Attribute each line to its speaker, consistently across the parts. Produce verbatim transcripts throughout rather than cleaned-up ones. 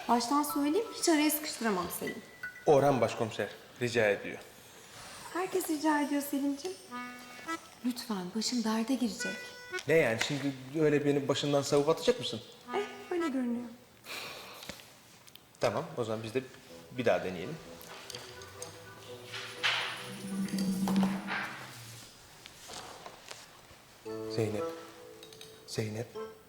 Speaker 1: Baştan söyleyeyim, hiç araya sıkıştıramam Selim.
Speaker 2: Orhan Başkomiser rica ediyor.
Speaker 1: Herkes rica ediyor Selim'ciğim. Lütfen, başım derde girecek.
Speaker 2: Ne yani şimdi öyle beni başından savup atacak mısın?
Speaker 1: Eh, öyle görünüyor.
Speaker 2: Tamam o zaman biz de bir daha deneyelim. Zeynep. Zeynep.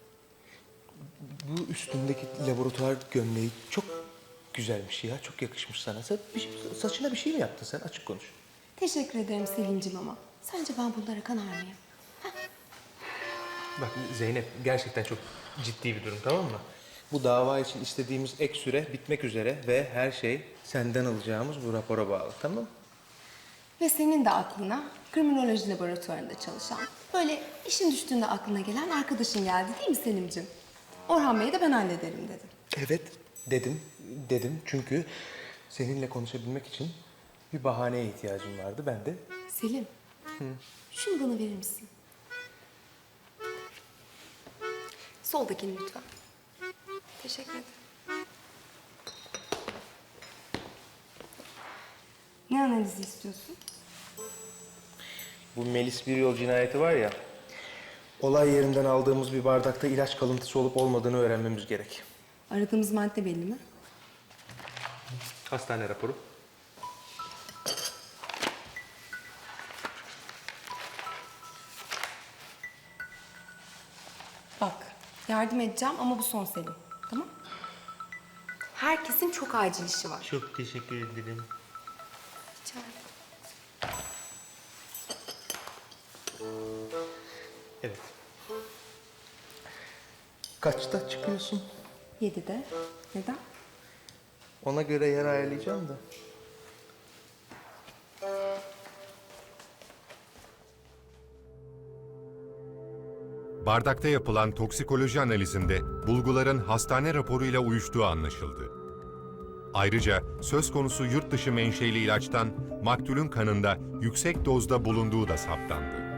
Speaker 2: Bu üstündeki laboratuvar gömleği çok güzelmiş ya. Çok yakışmış sana. Sen bir şey- saçına bir şey mi yaptın sen? Açık konuş.
Speaker 1: Teşekkür ederim Selim'ciğim ama sence ben bunlara kanar mıyım?
Speaker 2: Bak Zeynep gerçekten çok ciddi bir durum tamam mı? Bu dava için istediğimiz ek süre bitmek üzere ve her şey senden alacağımız bu rapora bağlı tamam mı?
Speaker 1: Ve senin de aklına kriminoloji laboratuvarında çalışan, böyle işin düştüğünde aklına gelen arkadaşın geldi değil mi Selim'ciğim? Orhan Bey'i de ben hallederim dedim.
Speaker 2: Evet dedim, dedim çünkü seninle konuşabilmek için bir bahaneye ihtiyacım vardı. Ben de
Speaker 1: Selim, şunu bana verir misin? Soldakini lütfen. Teşekkür ederim. Ne analizi istiyorsun?
Speaker 2: bu Melis bir yol cinayeti var ya, olay yerinden aldığımız bir bardakta ilaç kalıntısı olup olmadığını öğrenmemiz gerek.
Speaker 1: Aradığımız madde belli mi?
Speaker 2: Hastane raporu.
Speaker 1: Bak, yardım edeceğim ama bu son Selim. Tamam? Herkesin çok acil işi var.
Speaker 2: Çok teşekkür ederim.
Speaker 1: Rica ederim.
Speaker 2: Evet. Kaçta çıkıyorsun?
Speaker 1: Yedide. Neden?
Speaker 2: Ona göre yer ayarlayacağım da.
Speaker 3: Bardakta yapılan toksikoloji analizinde bulguların hastane raporuyla uyuştuğu anlaşıldı. Ayrıca söz konusu yurt dışı menşeli ilaçtan maktulün kanında yüksek dozda bulunduğu da saptandı.